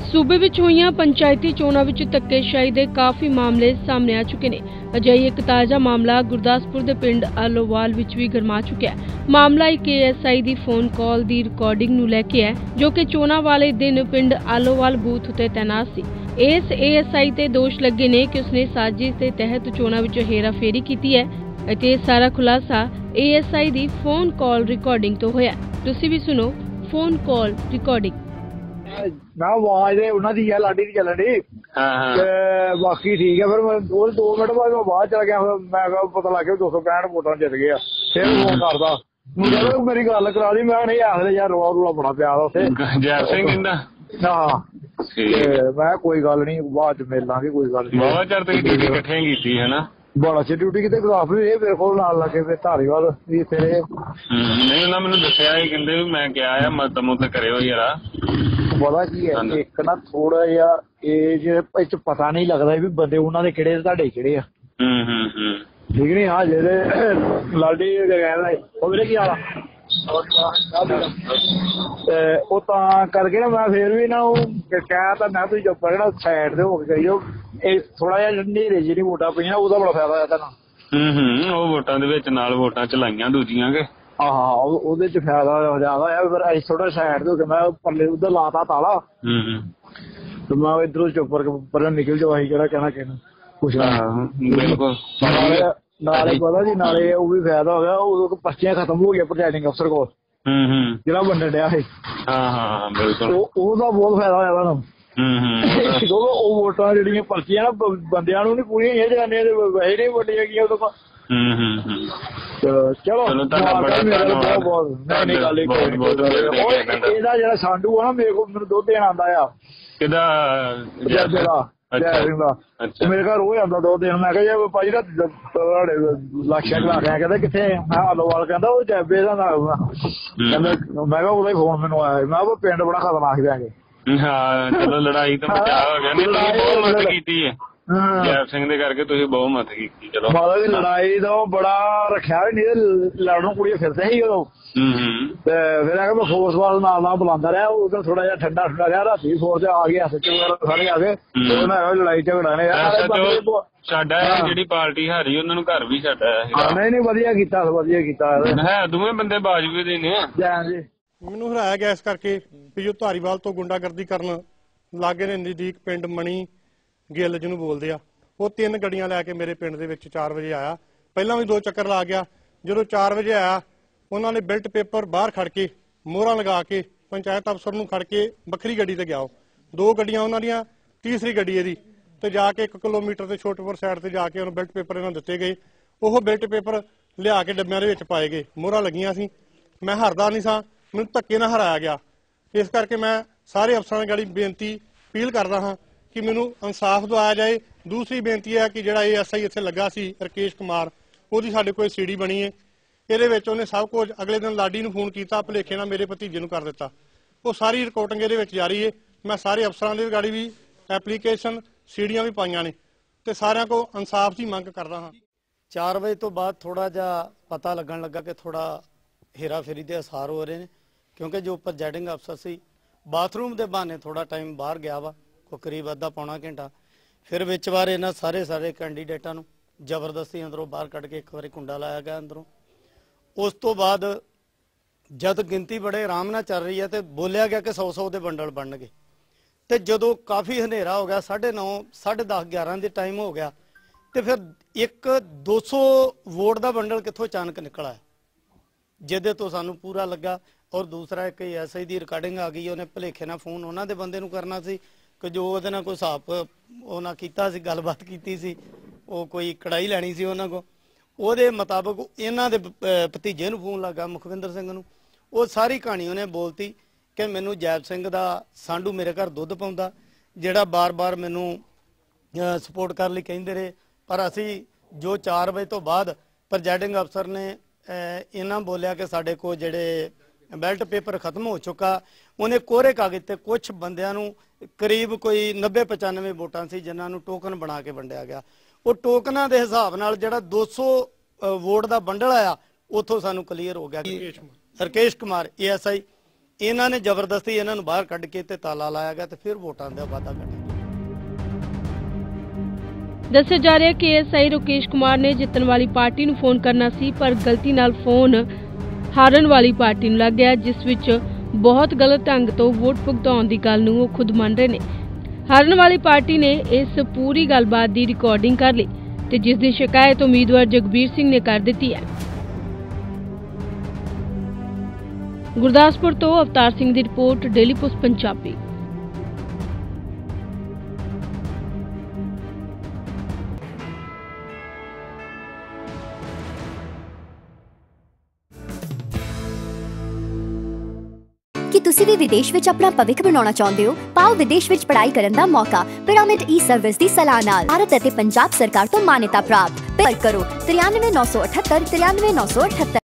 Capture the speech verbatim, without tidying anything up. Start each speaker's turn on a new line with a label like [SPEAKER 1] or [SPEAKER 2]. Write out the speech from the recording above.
[SPEAKER 1] सूबे विच होईयां पंचायती चोणां विच धक्केशाही दे काफ़ी मामले सामने आ चुके ने। अजिही एक ताज़ा मामला गुरदासपुर दे पिंड आलोवाल विच भी गरमा चुका है। मामला एक ए एस आई दी फोन कॉल दी रिकॉर्डिंग नूं लैके है, जो कि चोणां वाले दिन पिंड आलोवाल बूथ उत्ते तैनात सी। इस ए एस आई ते दोष लगे ने कि उसने साजिश के तहत चोणां विच हेराफेरी कीती है ਅਤੇ ਇਹ सारा खुलासा ए एस आई दी फोन कॉल रिकॉर्डिंग तो होया। तुसीं भी सुनो फोन कॉल रिकॉर्डिंग।
[SPEAKER 2] मैं आवाज उन्होंने दी है लाडी दी चलन दी बाकी ठीक है। फिर मैं दो दो मिनट बाद मैं बाहर चला गया। मैं पता लग गया दो सौ पैंठ वोटां जित गए। फिर फोन करदा मुझे मेरी गल करा दी। मैं नहीं आखदे यार रोला रूला बड़ा पिया उत्थे
[SPEAKER 3] जैब सिंह कहंदा
[SPEAKER 2] हां मैं कोई गल नहीं बाद च मिल लांगे कोई गल नहीं।
[SPEAKER 3] बहुत चर तुसीं ड्यूटी इकट्ठे कीती है ना
[SPEAKER 2] बड़ा अच्छी ड्यूटी किते गुरदासपुर मेरे को नाल लगे फिर धारीवाल भी इत्थे रहे।
[SPEAKER 3] नहीं उन्होंने मैनूं दस्सिया ही कहंदे मैं क्या है मत मुत करियो यारा।
[SPEAKER 2] पता की है एक ना थोड़ा जिहा एज इच पता नहीं लगता भी बंदे उन्हां दे किहड़े तुहाडे किहड़े आ।
[SPEAKER 3] हम्म हम्म हम्म
[SPEAKER 2] ठीक नहीं हाँ जेह्ड़े लाडी कहदा ओह वीरे की हाल आ ਉਹ ਤਾਂ ਕਰਕੇ ਨਾ ਮੈਂ ਫਿਰ ਵੀ ਨਾ ਉਹ ਕਹਿ ਤਾਂ ਮੈਂ ਤੁਸੀਂ ਚੁੱਪ ਰਹਿਣਾ ਸਾਈਡ ਤੇ ਹੋ ਕੇ ਕਰਿਓ। ਇਹ ਥੋੜਾ ਜਿਹਾ ਹਨੇਰੇ ਜਿਹੀ ਵੋਟਾਂ ਪਈਆਂ ਉਹਦਾ ਬੜਾ ਫਾਇਦਾ ਹੋਇਆ ਤੁਹਾਨੂੰ।
[SPEAKER 3] ਹੂੰ ਹੂੰ ਉਹ ਵੋਟਾਂ ਦੇ ਵਿੱਚ ਨਾਲ ਵੋਟਾਂ ਚਲਾਈਆਂ ਦੂਜੀਆਂ ਕੇ
[SPEAKER 2] ਹਾਂ ਉਹਦੇ ਚ ਫਾਇਦਾ ਜ਼ਿਆਦਾ ਆ। ਫਿਰ ਅਸੀਂ ਥੋੜਾ ਸਾਈਡ ਤੇ ਹੋ ਕੇ ਮੈਂ ਪੱਲੇ ਉਧਰ ਲਾਤਾ ਤਾਲਾ। ਹੂੰ ਹੂੰ ਤੇ ਮੈਂ ਇਧਰੋਂ ਚੁੱਪ ਕਰਕੇ ਪਰਾਂ ਨਿਕਲ ਜਾਓ। ਅਸੀਂ ਕਿਹੜਾ ਕਹਿਣਾ ਕਹਿਣਾ ਕੁਛ
[SPEAKER 3] ਬਿਲਕੁਲ
[SPEAKER 2] ਨਾਲੇ ਪਤਾ ਜੀ ਨਾਲੇ ਉਹ ਵੀ ਫਾਇਦਾ ਹੋ ਗਿਆ। ਉਦੋਂ ਪਰਚੀਆਂ ਖਤਮ ਹੋ ਗਈਆਂ ਪ੍ਰੈਜ਼ਾਈਡਿੰਗ ਅਫਸਰ ਕੋਲ ਜਿਹੜਾ ਵੰਡਣ ਡਿਆ ਸੀ।
[SPEAKER 3] ਹਾਂ ਹਾਂ ਬਿਲਕੁਲ
[SPEAKER 2] ਉਹਦਾ ਬਹੁਤ ਫਾਇਦਾ ਹੋਇਆ ਤੁਹਾਨੂੰ। ਕਿਉਂਕਿ ਉਹ ਵੋਟਾਂ ਜਿਹੜੀਆਂ ਪਰਚੀਆਂ ਨਾ ਬੰਦਿਆਂ ਨੂੰ ਨੀ ਪੂਰੀਆਂ ਹੋਈਆਂ ਜਨਾਨੀਆਂ ਦੇ ਵੈਸੇ ਨਹੀਂ ਵੰਡੀਆਂ ਗਈਆਂ ਉਦੋਂ ਤਾਂ। ਚਲੋ ਬਹੁਤ ਬਹੁਤ ਇਹਦਾ ਜਿਹੜਾ ਸਾਂਢੂ ਆ ਨਾ ਮੇਰੇ ਕੋਲ ਮੈਨੂੰ ਦੁੱਧ ਦੇਣ ਆਉਂਦਾ ਆ ਕਿਹਦਾ ਮੇਰੇ ਘਰ ਉਹ ਆਉਂਦਾ ਦੋ ਦਿਨ। ਮੈਂ ਕਿਹਾ ਜੀ ਭਾਜੀ ਨਾ ਤੁਹਾਡੇ ਲਾਸ਼ਾਂ ਚਲਾ ਕੇ ਕਹਿੰਦਾ ਕਿੱਥੇ ਮੈਂ ਆਲੋਵਾਲ ਕਹਿੰਦਾ ਉਹ ਜੈਬੇ ਦਾ ਨਾਮ ਕਹਿੰਦਾ। ਮੈਂ ਕਿਹਾ ਉਹਦਾ ਹੀ ਫੋਨ ਮੈਨੂੰ ਆਇਆ। ਮੈਂ ਕਿਹਾ ਪਿੰਡ ਬੜਾ ਖਤਰਨਾਕ ਜਾਗੇ।
[SPEAKER 3] ਹਾਂ ਚਲੋ ਲੜਾਈ ਤੋਂ ਬਚਾਅ ਹੋ ਗਿਆ। ਨਹੀਂ ਤੁਸੀਂ ਬਹੁਤ ਮਦਦ ਕੀਤੀ ਹੈ ਜੈਬ ਸਿੰਘ ਦੇ ਕਰਕੇ ਤੁਸੀਂ ਬਹੁਤ ਮਦਦ ਕੀਤੀ। ਚਲੋ
[SPEAKER 2] ਮਾਤਾ ਦੀ ਲੜਾਈ ਦਾ ਬੜਾ ਰੱਖਿਆ ਵੀ ਨਹੀਂ ਲੜਨ ਕੁੜੀਆਂ ਫਿਰਦੇ ਸੀ ਉਦੋਂ। ਤੇ ਫਿਰ ਆ ਮੈਂ ਫੋਰਸ ਵਾਲ ਨਾਲ ਨਾਲ ਬੁਲਾਉਂਦਾ ਰਿਹਾ। ਉਦੋਂ ਥੋੜਾ ਜਿਹਾ ਠੰਡਾ ਠੰਡਾ ਰਿਹਾ। ਰਾਤੀ ਫੋਰਸ ਆ ਗਏ ਐਸ ਐਚ ਓ ਵਗੈਰਾ ਸਾਰੇ ਆ ਗਏ। ਮੈਂ ਲੜਾਈ ਝਗੜਾ ਨੇ
[SPEAKER 3] ਸਾਡਾ ਜਿਹੜੀ ਪਾਰਟੀ ਹਾਰੀ ਉਹਨਾਂ ਨੂੰ ਘਰ ਵੀ ਸਾਡਾ
[SPEAKER 2] ਨਹੀਂ ਨਹੀਂ ਵਧੀਆ ਕੀਤਾ ਵਧੀਆ ਕੀਤਾ
[SPEAKER 3] ਹੈ। ਦੋਵੇਂ ਬੰਦੇ ਬਾਜਵੇ ਦੇ ਨੇ।
[SPEAKER 2] ਜੀ
[SPEAKER 4] ਮੈਨੂੰ ਹਰਾਇਆ ਗਿਆ ਇਸ ਕਰਕੇ ਵੀ ਜੋ ਧਾਰੀਵਾਲ ਤੋਂ ਗੁੰਡਾਗਰਦੀ ਕਰਨ ਲਾਗੇ ਨੇ ਨਜ਼ਦੀਕ ਪਿੰਡ ਮਣੀ ਗਿੱਲ ਜਿਹਨੂੰ ਬੋਲਦੇ ਆ ਉਹ ਤਿੰਨ ਗੱਡੀਆਂ ਲੈ ਕੇ ਮੇਰੇ ਪਿੰਡ ਦੇ ਵਿੱਚ ਚਾਰ ਵਜੇ ਆਇਆ। ਪਹਿਲਾਂ ਵੀ ਦੋ ਚੱਕਰ ਲਾ ਗਿਆ। ਜਦੋਂ ਚਾਰ ਵਜੇ ਆਇਆ ਉਹਨਾਂ ਨੇ ਬਿਲਟ ਪੇਪਰ ਬਾਹਰ ਖੜ ਕੇ ਮੋਹਰਾਂ ਲਗਾ ਕੇ ਪੰਚਾਇਤ ਅਫਸਰ ਨੂੰ ਖੜ ਕੇ ਵੱਖਰੀ ਗੱਡੀ ਤੇ ਗਿਆ। ਉਹ ਦੋ ਗੱਡੀਆਂ ਉਹਨਾਂ ਦੀਆਂ ਤੀਸਰੀ ਗੱਡੀ ਇਹਦੀ ਤੇ ਜਾ ਕੇ ਇੱਕ ਕਿਲੋਮੀਟਰ ਤੇ ਛੋਟੇਪੁਰ ਸਾਈਡ ਤੇ ਜਾ ਕੇ ਉਹਨੂੰ ਬਿਲਟ ਪੇਪਰ ਇਹਨਾਂ ਦਿੱਤੇ ਗਏ। ਉਹ ਬਿਲਟ ਪੇਪਰ ਲਿਆ ਕੇ ਡੱਬਿਆਂ ਦੇ ਵਿੱਚ ਪਾਏ ਗਏ। ਮੋਹਰਾਂ ਲੱਗੀਆਂ ਸੀ। ਮੈਂ ਹਰਦਾ ਨਹੀਂ ਸਾਂ। ਮੈਨੂੰ ਧੱਕੇ ਨਾਲ ਹਰਾਇਆ ਗਿਆ। ਇਸ ਕਰਕੇ ਮੈਂ ਸਾਰੇ ਅਫਸਰਾਂ ਦੀ ਗਾੜੀ ਬੇਨਤੀ ਅਪੀਲ ਕਰਦਾ ਹਾਂ ਕਿ ਮੈਨੂੰ ਇਨਸਾਫ ਦਿਵਾਇਆ ਜਾਏ। ਦੂਸਰੀ ਬੇਨਤੀ ਹੈ ਕਿ ਜਿਹੜਾ ਏ ਐਸ ਆਈ ਇੱਥੇ ਲੱਗਾ ਸੀ ਰਕੇਸ਼ ਕੁਮਾਰ ਉਹਦੀ ਸਾਡੇ ਕੋਲ ਸੀਡੀ ਬਣੀ ਹੈ। ਇਹਦੇ ਵਿੱਚ ਉਹਨੇ ਸਭ ਕੁਝ ਅਗਲੇ ਦਿਨ ਲਾਡੀ ਨੂੰ ਫੋਨ ਕੀਤਾ ਭੁਲੇਖੇ ਨਾਲ ਮੇਰੇ ਭਤੀਜੇ ਨੂੰ ਕਰ ਦਿੱਤਾ। ਉਹ ਸਾਰੀ ਰਿਕਾਰਡਿੰਗ ਇਹਦੇ ਵਿੱਚ ਜਾਰੀ ਹੈ। ਮੈਂ ਸਾਰੇ ਅਫਸਰਾਂ ਦੀ ਗਾੜੀ ਵੀ ਐਪਲੀਕੇਸ਼ਨ ਸੀਡੀਆਂ ਵੀ ਪਾਈਆਂ ਨੇ ਤੇ ਸਾਰਿਆਂ ਕੋਲ ਇਨਸਾਫ ਦੀ ਮੰਗ ਕਰਦਾ ਹਾਂ।
[SPEAKER 5] ਚਾਰ ਵਜੇ ਤੋਂ ਬਾਅਦ ਥੋੜਾ ਜਿਹਾ ਪਤਾ ਲੱਗਣ ਲੱਗਾ ਕਿ ਥੋੜਾ ਹੇਰਾ ਫੇਰੀ ਦੇ ਅਸਾਰ ਹੋ ਰਹੇ ਨੇ ਕਿਉਂਕਿ ਜੋ ਪ੍ਰੈਜ਼ਾਈਡਿੰਗ ਅਫਸਰ ਸੀ ਬਾਥਰੂਮ ਦੇ ਬਹਾਨੇ ਥੋੜਾ ਟਾਈਮ ਬਾਹਰ ਗਿਆ ਵਾ ਕੋਈ ਕਰੀਬ ਅੱਧਾ ਪੌਣਾ ਘੰਟਾ। ਫਿਰ ਵਿੱਚ ਵਾਰ ਇਹਨਾਂ ਸਾਰੇ ਸਾਰੇ ਕੈਂਡੀਡੇਟਾਂ ਨੂੰ ਜ਼ਬਰਦਸਤੀ ਅੰਦਰੋਂ ਬਾਹਰ ਕੱਢ ਕੇ ਇੱਕ ਵਾਰੀ ਕੁੰਡਾ ਲਾਇਆ ਗਿਆ ਅੰਦਰੋਂ। ਉਸ ਤੋਂ ਬਾਅਦ ਜਦ ਗਿਣਤੀ ਬੜੇ ਆਰਾਮ ਨਾਲ ਚੱਲ ਰਹੀ ਹੈ ਤੇ ਬੋਲਿਆ ਗਿਆ ਕਿ ਸੌ ਸੌ ਦੇ ਬੰਡਲ ਬਣਨਗੇ ਤੇ ਜਦੋਂ ਕਾਫੀ ਹਨੇਰਾ ਹੋ ਗਿਆ ਸਾਢੇ ਨੌ ਸਾਢੇ ਦਸ ਗਿਆਰਾਂ ਦੇ ਟਾਈਮ ਹੋ ਗਿਆ ਤੇ ਫਿਰ ਇੱਕ ਦੋ ਸੌ ਵੋਟ ਦਾ ਬੰਡਲ ਕਿੱਥੋਂ ਅਚਾਨਕ ਨਿਕਲ ਆਇਆ ਜਿਹਦੇ ਤੋਂ ਸਾਨੂੰ ਪੂਰਾ ਲੱਗਾ। ਔਰ ਦੂਸਰਾ ਇੱਕ ਐਸ ਆਈ ਦੀ ਰਿਕਾਰਡਿੰਗ ਆ ਗਈ। ਉਹਨੇ ਭੁਲੇਖੇ ਨਾਲ ਫੋਨ ਉਹਨਾਂ ਦੇ ਬੰਦੇ ਨੂੰ ਕਰਨਾ ਸੀ ਕਿ ਜੋ ਉਹਦੇ ਨਾਲ ਕੋਈ ਹਿਸਾਬ ਉਹਨਾਂ ਕੀਤਾ ਸੀ ਗੱਲਬਾਤ ਕੀਤੀ ਸੀ ਉਹ ਕੋਈ ਕੜਾਈ ਲੈਣੀ ਸੀ ਉਹਨਾਂ ਕੋਲ। ਉਹਦੇ ਮੁਤਾਬਕ ਇਹਨਾਂ ਦੇ ਭਤੀਜੇ ਨੂੰ ਫੋਨ ਲੱਗਾ ਮੁਖਵਿੰਦਰ ਸਿੰਘ ਨੂੰ। ਉਹ ਸਾਰੀ ਕਹਾਣੀ ਉਹਨੇ ਬੋਲਤੀ ਕਿ ਮੈਨੂੰ ਜੈਬ ਸਿੰਘ ਦਾ ਸਾਂਢੂ ਮੇਰੇ ਘਰ ਦੁੱਧ ਪਾਉਂਦਾ ਜਿਹੜਾ ਬਾਰ-ਬਾਰ ਮੈਨੂੰ ਸਪੋਰਟ ਕਰਨ ਲਈ ਕਹਿੰਦੇ ਰਹੇ। ਪਰ ਅਸੀਂ ਜੋ ਚਾਰ ਵਜੇ ਤੋਂ ਬਾਅਦ ਪ੍ਰੈਜ਼ਾਈਡਿੰਗ ਅਫਸਰ ਨੇ ਇਹਨਾਂ ਬੋਲਿਆ ਕਿ ਸਾਡੇ ਕੋਲ ਜਿਹੜੇ ਬੈਲਟ ਪੇਪਰ ਖਤਮ ਹੋ ਚੁੱਕਾ। ਉਹਨੇ ਕੋਰੇ ਕਾਗਜ਼ ਤੇ ਕੁਛ ਬੰਦਿਆਂ ਨੂੰ ਕਰੀਬ ਕੋਈ ਨੱਬੇ ਪਚਾਨਵੇਂ ਵੋਟਾਂ ਸੀ ਜਿਨ੍ਹਾਂ ਨੂੰ ਟੋਕਨ ਬਣਾ ਕੇ ਵੰਡਿਆ ਗਿਆ। ਉਹ ਟੋਕਨਾਂ ਦੇ ਹਿਸਾਬ ਨਾਲ ਜਿਹੜਾ ਦੋ ਸੌ ਵੋਟ ਦਾ ਬੰਡਲ ਆਇਆ ਉੱਥੋਂ ਸਾਨੂੰ ਕਲੀਅਰ ਹੋ ਗਿਆ। Rakesh Kumar A S I ਇਹਨਾਂ ਨੇ ਜ਼ਬਰਦਸਤੀ ਇਹਨਾਂ ਨੂੰ ਬਾਹਰ ਕੱਢ ਕੇ ਤੇ ਤਾਲਾ ਲਾਇਆ ਗਿਆ ਤੇ ਫਿਰ ਵੋਟਾਂ ਦਾ ਵਾਅਦਾ ਕੱਢਿਆ।
[SPEAKER 1] ਦੱਸਿਆ ਜਾ ਰਿਹਾ ਕਿ ਐਸਆਈ ਰਕੇਸ਼ ਕੁਮਾਰ ਨੇ ਜਿੱਤਣ ਵਾਲੀ ਪਾਰਟੀ ਨੂੰ ਫੋਨ ਕਰਨਾ ਸੀ, ਪਰ ਗਲਤੀ ਨਾਲ ਫੋਨ ਹਾਰਨ ਵਾਲੀ ਪਾਰਟੀ ਨੂੰ ਲੱਗ ਗਿਆ, ਜਿਸ ਵਿੱਚ ਬਹੁਤ ਗਲਤ ਢੰਗ ਤੋਂ ਵੋਟ ਭੁਗਤਾਉਣ ਦੀ ਗੱਲ ਨੂੰ ਉਹ ਖੁਦ ਮੰਨ ਰਹੇ ਨੇ। ਹਾਰਨ ਵਾਲੀ ਪਾਰਟੀ ਨੇ ਇਸ ਪੂਰੀ ਗੱਲਬਾਤ ਦੀ ਰਿਕਾਰਡਿੰਗ ਕਰ ਲਈ ਤੇ ਜਿਸ ਦੀ ਸ਼ਿਕਾਇਤ ਉਮੀਦਵਾਰ ਜਗਬੀਰ ਸਿੰਘ ਨੇ ਕਰ ਦਿੱਤੀ ਹੈ। ਗੁਰਦਾਸਪੁਰ ਤੋਂ ਅਵਤਾਰ ਸਿੰਘ ਦੀ ਰਿਪੋਰਟ, ਡੇਲੀ ਪੋਸਟ ਪੰਜਾਬੀ।
[SPEAKER 6] ਕੀ ਤੁਸੀਂ ਵੀ ਵਿਦੇਸ਼ ਵਿੱਚ ਆਪਣਾ ਭਵਿੱਖ ਬਣਾਉਣਾ ਚਾਹੁੰਦੇ ਹੋ? ਪਾਓ ਵਿਦੇਸ਼ ਵਿੱਚ ਪੜ੍ਹਾਈ ਕਰਨ ਦਾ ਮੌਕਾ ਪਿਰਾਮਿਡ ਈ ਸਰਵਿਸ ਦੀ ਸਲਾਹ ਨਾਲ। ਭਾਰਤ ਅਤੇ ਪੰਜਾਬ ਸਰਕਾਰ ਤੋਂ ਮਾਨਤਾ ਪ੍ਰਾਪਤ। ਪਰ ਕਰੋ ਤਰਿਆਨਵੇਂ ਨੌ ਸੌ ਅਠੱਤਰ ਤਰਿਆਨਵੇਂ ਨੌ ਸੌ ਅਠੱਤਰ।